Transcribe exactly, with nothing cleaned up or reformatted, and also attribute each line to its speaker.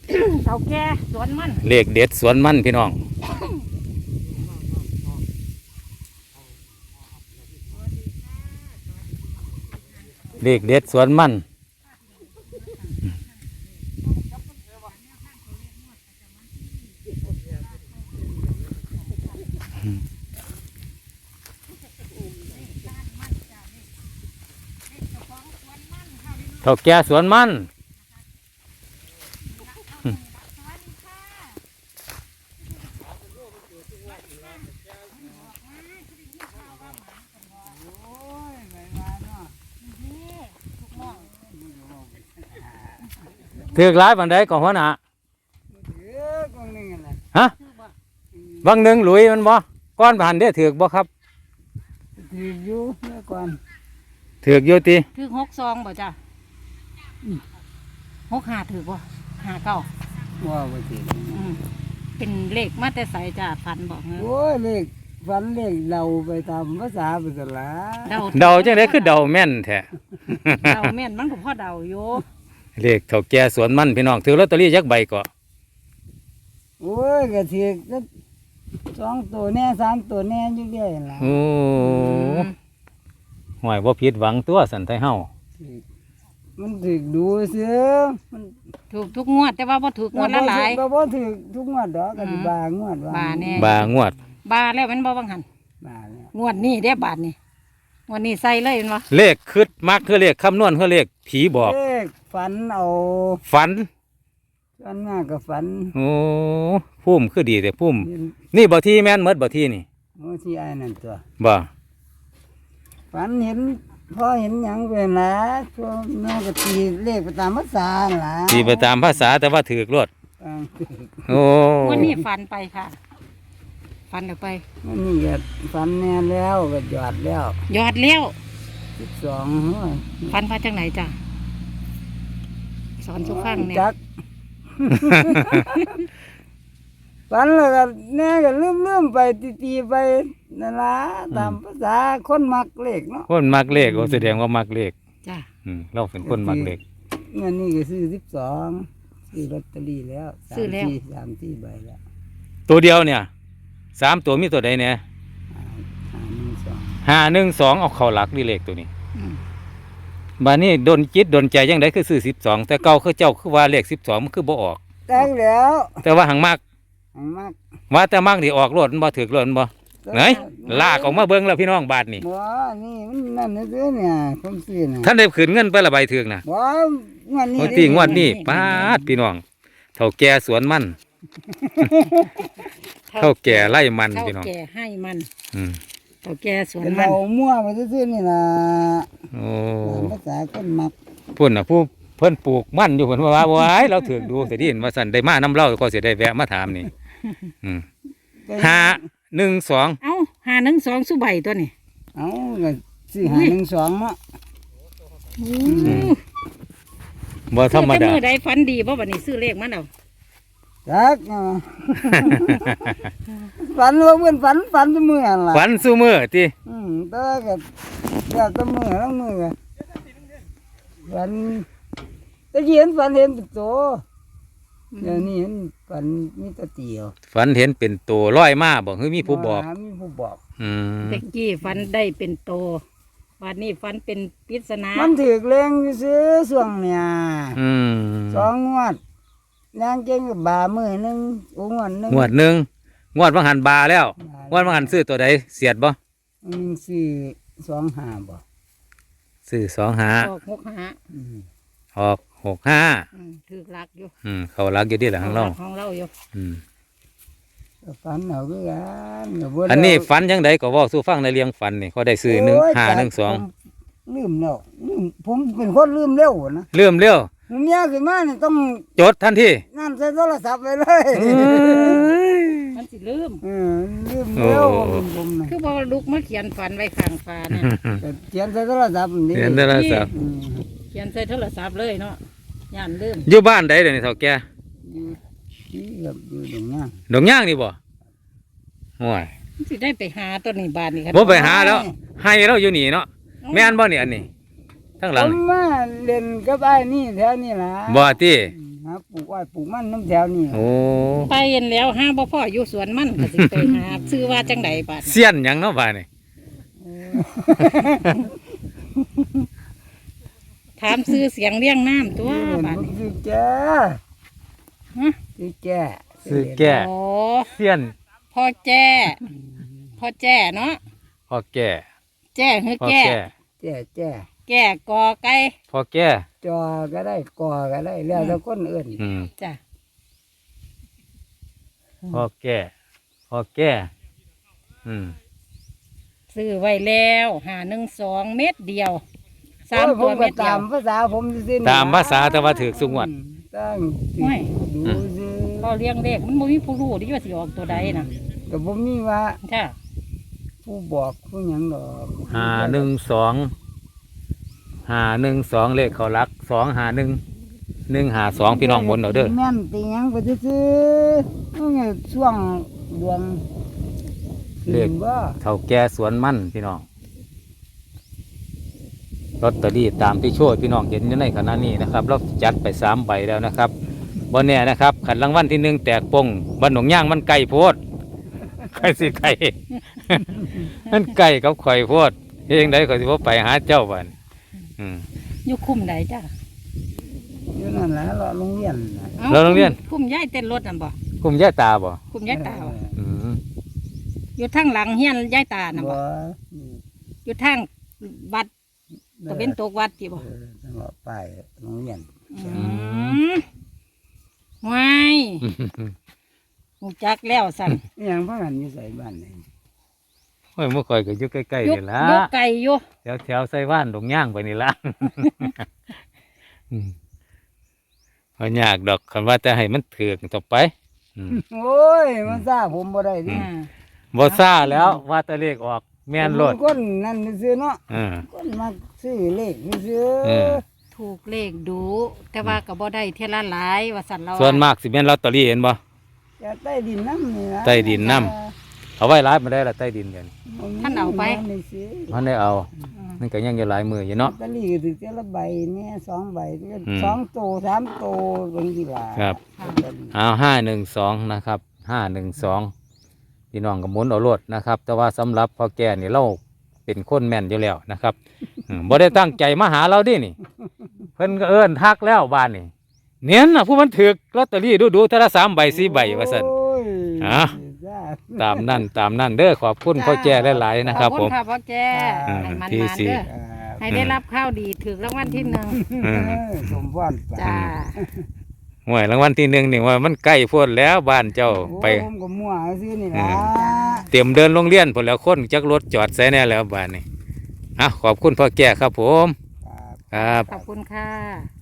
Speaker 1: เฒ่าแก่สวนมัน
Speaker 2: เลขเด็ดสวนมันพี่น้องเลขเด็ดสวนมันเฒ่าแก่สวนมันถือกหลายปันใดก่อนหัวหน้าฮะบางหนึ่งหลุยมันบ่ก้อนผ่านได้ถือกบ่ครับ
Speaker 3: ถือกอยู่เมื่อก่อน
Speaker 2: ถือกอยู่ติ
Speaker 1: ถือกหกซองบ่จ้ะหกห้าถือกบ่ห้าเก้า
Speaker 3: ว่าบ่ถือก
Speaker 1: เป็นเลขมาแต่ใส่จ้ะฝันบอกเงี้ย
Speaker 3: โอ้ยเลขฝันเลขเดาไปตามภาษาไปตลา
Speaker 2: ดเดาจังได๋คือเดาแม่นแท้
Speaker 1: เดาแม่นมันก็พอเดาอยู่
Speaker 2: เลขเฒ่าแก่สวนมันพี่น้องถือลอตเตอรี่ยักใบก็
Speaker 3: โอ้ยก็ถือกสองตัวแน่สามตัวแน่อยู่เรื่อยล่ะ
Speaker 2: โอ้ห่วยบ่ผิดหวังตัวสันไทเฮา
Speaker 3: มันถือกดูซื่อมัน
Speaker 1: ถูกทุกงวดแต่ว่าบ่ถูกงวดละหลาย
Speaker 3: ก็บ่ถือกทุกงวดดอกก็สิบางวด
Speaker 1: บาแน่
Speaker 2: บางวด
Speaker 1: บาแล้วมันบ่บังหัน
Speaker 3: บาแล้ว
Speaker 1: งวดนี้ได้บาทนี่งวดนี้ใส่เลยเห็นบ่
Speaker 2: เลขคึดมักคือเลขคำนวณคือเลขผีบอก
Speaker 3: เลขฝันเอา
Speaker 2: ฝัน
Speaker 3: ฝันมากกับฝัน
Speaker 2: โอ้พุ่มคือดีแต่พุ่มนี่บ่ที่แม่นเมดบ่ที่นี่
Speaker 3: โอ้ที่ไอ้นั่นตัว
Speaker 2: บ่
Speaker 3: ฝันเห็นพ่อเห็นหยังเป็นละช่วงน้องก็ตีเลขไปตามภาษาล่ะ
Speaker 2: ตีไปตามภาษาแต่ว่าถือกรวดโอ้
Speaker 1: วันนี้ฝันไปค่ะฝันออกไป
Speaker 3: วันนี้ก็ฝันแน่แล้วก็หยอดแล้ว
Speaker 1: หยอดแล้ว
Speaker 3: สิบสอง
Speaker 1: ฝันมาจากไหนจ้ะสอนสุขังเนี่ย
Speaker 3: จักฝันแล้วก็แน่ก็ลืมลืมไปตีไปนั่นละตามภาษาคนมักเลขเนาะ
Speaker 2: คนมักเลขก็แสดงว่ามักเลข
Speaker 1: จ้ะ
Speaker 2: เราเป็นคนมักเลข
Speaker 3: เงินนี่ก็ซื้อสิบสองซื้อลอตเตอรี่แล้วซื้อแล้วสามที่ใบแล้ว
Speaker 2: ตัวเดียวเนี่ยสามตัวมีตัวใดเนี่ยห้าหนึ่งสองเอาเข้าหลักนี่เลขตัวนี้บ้านนี้โดนจิตโดนใจยังไงคือซื้อสิบสองแต่เก่าคือเจ้าคือว่าเลขสิบสองมันคือบ่ออก
Speaker 3: แต่งแล้ว
Speaker 2: แต่ว่าหังมาก
Speaker 3: หังมาก
Speaker 2: ว่าแต่มากที่ออกรถมันบ่ถือรถมันบ่ไหนลากออกมาเบิ้งแล้วพี่น้องบาทนี่
Speaker 3: ว้านี่มันนั่นนี่เนี่ยผมซื้อนะ
Speaker 2: ท่านได้ขืนเงินไปละใบถือกนะ
Speaker 3: ว้างวดนี้
Speaker 2: ตีงวดนี้ป้าดพี่น้องเฒ่าแก่สวนมันเฒ่าแก่ไล่มันพี่น้อง
Speaker 1: เฒ่าแก่ให้มันเฒ่าแก่สวน
Speaker 3: มันเรามั่วไปซื้อนี่นะ
Speaker 2: โอ้
Speaker 3: ภาษาคนมัก
Speaker 2: พุ่นน่ะผู้เพิ่นปลูกมันอยู่เพิ่นว่าว้ายเราถือกดูแต่ที่เห็นว่าสั่นได้มาน้ำเล่าก็เสียได้แวะมาถามนี่ห้าหนึ่งสอง
Speaker 1: เอ้าห้าหนึ่งสองสุใบตัวนี้
Speaker 3: เอ้าสี่ห้าหนึ่งสองอ่ะ
Speaker 2: บ่ธรรมดา
Speaker 1: มือใดฝันดีบ่บัดนี้ซื้อเลขมันเอา
Speaker 3: จักฝันว่าเพื่อนฝันฝันตัวมืออะไร
Speaker 2: ฝันสู้มือที่
Speaker 3: อืมแต่ก็แบบตัวมือทั้งมือฝันตะกี้เห็นฝันเห็นเป็นตัวเดี๋ยวนี้เห็นฝันมีตะเตียว
Speaker 2: ฝันเห็นเป็นตัวร้อยมาบอกเฮ้ยมีผู้บอก
Speaker 3: มีผู้บอก
Speaker 2: อืม
Speaker 1: ตะกี้ฝันได้เป็นโตวันนี้ฝันเป็นปริศนา
Speaker 3: มันถือเลี้ยงซื้อส่วงเนี่ยสองงวดนางเก่งกับบามือหนึ่งงวดหนึ่ง
Speaker 2: งวดหนึ่งงวดวังหันบาแล้วงวดวังหันซื้อตัวใดเสียดบ่
Speaker 3: ซื้อสองห้าบ่
Speaker 2: ซื้อสองห้า
Speaker 1: ออกหกห้า
Speaker 2: ออกหกห้า
Speaker 1: ถือรักอยู่
Speaker 2: อืมเขารักอยู่ดีแหละของเรา
Speaker 1: ของเราอยู่
Speaker 2: อืม
Speaker 3: ฝันเอาด้วยกัน
Speaker 2: อันนี้ฝันยังไงก็ว่าสู้ฟังในเลี้ยงฝันนี่เขาได้ซื้อหนึ่งห้าหนึ่งสอง
Speaker 3: ลืมแล้วผมเป็นคนลืมเร็วนะ
Speaker 2: ลืมเร็ว
Speaker 3: ผมยากขึ้นมาเนี่ยต้อง
Speaker 2: จดทันที
Speaker 3: นั่นใช้โทรศัพท์ไปเลย
Speaker 1: มันสิลืม
Speaker 3: ลืมเร็วผม
Speaker 1: นะคือพอลุกมาเขียนฝันไว้ข้างฟ้าเนี่ย
Speaker 3: เขียนใช้โทรศัพท์นี่
Speaker 2: เขียนโทรศัพท์
Speaker 1: เขียนใส่โทรศัพท์เลยเนาะย่านลืม
Speaker 2: อยู่บ้านใดเดี๋ยวนี้เฒ่าแก่
Speaker 3: อยู่กับอยู่ดงย่าง
Speaker 2: ดงย่างนี่บ่โอ้ย
Speaker 1: สิได้ไปหาตัวนี้บ้านนี่ครับ
Speaker 2: บ่ไปหาแล้วให้เราอยู่นี่เนาะแม่นบ่นี่อันนี้ทั้งหลัง
Speaker 3: ผมมาเล่นกับไอ้นี่แถวนี่ล่ะ
Speaker 2: บ่ติ
Speaker 3: หาปลูกอ้อยปลูกมันน้ำแถวนี่
Speaker 2: โอ้
Speaker 1: ไปเห็นแล้วห้าบ่พ่ออยู่สวนมันก็สิไปหา ซื้อว่าจังไดบาด
Speaker 2: เสี้ยนหยังเนาะบาดนี่
Speaker 1: ถามซื้อเสียงเรียงน้ำตัว
Speaker 3: เออบ
Speaker 1: าด
Speaker 3: มัน
Speaker 1: นี้
Speaker 3: คือแก่
Speaker 1: ฮะ
Speaker 3: คือแก่
Speaker 2: ซื้อแก่
Speaker 1: โอ้
Speaker 2: เสี้ยน
Speaker 1: พ่อแจ้พ่อแจ้เนาะ
Speaker 2: พ่อแก่
Speaker 1: แจ้คือ
Speaker 2: พ่อ
Speaker 1: แก้
Speaker 2: แก่
Speaker 3: แก่แก่
Speaker 1: แก้กอไก่
Speaker 2: พ่อแก่
Speaker 3: จอก็ได้กอก็ได้แล้วแต่คนอื่น
Speaker 2: อืม
Speaker 1: จ้ะ
Speaker 2: พ่อแก่พ่อแก่อืม
Speaker 1: ซื้อไว้แล้วหาหนึ่งสองเม็ดเดียวสาม
Speaker 3: โอ้ยผ
Speaker 1: ตัว
Speaker 3: มก็
Speaker 1: เม็ดเดีย
Speaker 3: ตาว มภาษาผมซื่อๆนี่
Speaker 2: ตามภาษาแต่ว่าถือสุงวด
Speaker 3: ตั้ง
Speaker 1: โอ้ย
Speaker 3: ดูซื่อ
Speaker 1: พอเลี้ยงเด็กมันบ่มีผู้รู้ที่ว่าสิออกตัวใดน่ะ
Speaker 3: ก็บ่มีว่า
Speaker 1: จ้ะ
Speaker 3: ผู้บอกผู้หยังดอก
Speaker 2: หาหนึ่งสองหาหนึ่งสองเลขเขารักสองหาหนึ่งหนึ่งหาสองพี่น้องหมุนเอาเด้อ
Speaker 3: แม่นตีหยังก็ซื่อๆนี่ไงช่วงดวงขึ้นบ่
Speaker 2: เท่าแก่สวนมันพี่น้องลอตเตอรี่ตามที่โชว์พี่น้องเห็นอยู่ในขณะนี้นะครับเราจัดไปสามใบแล้วนะครับบนเนี่ยนะครับขันรางวัลที่หนึ่งแตกปงบันหนองย่างมันไก่โพดไก่สิไก่ มันไก่กับข่อยโพดเองได้ข่อยสิว่าไปหาเจ้าบ้านอืม
Speaker 1: อยู่คุ้มใดจ้ะ
Speaker 3: อยู่นั่นแหละเราโรงเรียนน่ะ
Speaker 1: อ้
Speaker 2: แล้วโรงเรียน
Speaker 1: คุ้มย้ายเต้นรถนั่นบ่
Speaker 2: กลุ่มย่าตาบ่
Speaker 1: คุ้มย้ายตาบ่
Speaker 2: อืม
Speaker 1: อยู่ทางหลังเฮียนย้ายตาน่ะ
Speaker 3: บ่
Speaker 1: บ่อยู่ทางวัดตะเป็นตกวัดที่บ่
Speaker 3: เออจังหวะป้ายโรงเรียน
Speaker 1: อืมว้ายหูจักแล้วสั่น
Speaker 3: นี่ยังพากันอยู่ใส่บ้านนี่
Speaker 2: โอ้ยเมื่อก่อนก็อยู่ใกล้
Speaker 1: ยุ
Speaker 2: ๆ
Speaker 1: ก
Speaker 2: นี่ละ
Speaker 1: ยุกไก่อยู่
Speaker 2: แถวแถวๆไส้ว่านดงย่างไปนี่ละ อืมเอายากดอกคันว่าจะให้มันถือกต่อไปอืม
Speaker 3: โอ้ยมันซ่าผมบ่ได้ดิ
Speaker 1: อ่า
Speaker 2: บ่ซ่าแล้วว่าแตะเลขออกแม่นโลด
Speaker 3: ผมคนนั่นซื่อๆเนาะ
Speaker 2: เออ
Speaker 3: คนมาซื้อเลขซื่อ
Speaker 2: เออ
Speaker 1: ถูกเลขดู แต่ว่าก็บ่ได้เท่าละหลายว่าสั่นเรา
Speaker 2: ส่วนมากสิแม่นลอตเตอรี่เห็นบ่
Speaker 3: ๆจะใต้ดินน้ำนี่นะ
Speaker 2: ใต้ดินน้ เอาไว้ร้ายมาได้ละใต้ดินกัน
Speaker 1: ท่านเอาไป
Speaker 3: ม่ซื้อ
Speaker 2: มันได้เอา
Speaker 1: อืม
Speaker 2: มันก็ยังอยู่หลายมืออยู่เนาะ
Speaker 3: ลอตเตอรี่ก็ถือเจ้าละใบเนี่ยสองใบเนี่ย
Speaker 2: อืม
Speaker 3: สองโตสามโตบางทีละ
Speaker 2: ครับ
Speaker 3: ลอตเตอรี่
Speaker 2: เอาห้าหนึ่งสองนะครับห้าหนึ่งสองพี่น้องกับหมุนเอารถนะครับ แต่ว่าสำหรับพ่อแก่นี่เราเป็นคนแม่นอยู่แล้วนะครับอืมบ่ได้ตั้งใจมาหาเราดินี่ เพิ่นก็เอิ้นทักแล้วบ้านนี่เนียนน่ะผู้มันถือกลอตเตอรี่ดูดูๆเท่าละสามใบสี่ใบว่าซั่น
Speaker 3: โอ้ย
Speaker 2: อ่ะ
Speaker 3: จ้า
Speaker 2: ตามนั่นตามนั่นเด้อขอบคุณพ่อแก่หลายๆนะครับ
Speaker 1: ขอ
Speaker 2: ผม
Speaker 1: ณค่ะพ่อแก่
Speaker 2: อ่า
Speaker 1: ให้มัน
Speaker 2: ที่
Speaker 1: มา
Speaker 2: สี่
Speaker 1: เด้อให้ได้รับข้าวดีถึงรางวัลที่หนึ่ง
Speaker 2: อืม
Speaker 3: เออสมพรไป
Speaker 1: จ้า
Speaker 2: หวยรางวัลที่หนึ่งนี่ว่ามันใกล้โพ้นแล้วบ้านเจ้าไป
Speaker 3: โอ้ยผมก็มั่วซื้อนี่ล่ะ
Speaker 2: เตรียมเดินโรงเรียนพุ่นแล้วคนจักรถจอดใส่แน่แล้วบ้านนี่อ่ะขอบคุณพ่อแก่ครับผม
Speaker 3: ครับ
Speaker 2: ครับ
Speaker 1: ขอบคุณค่ะ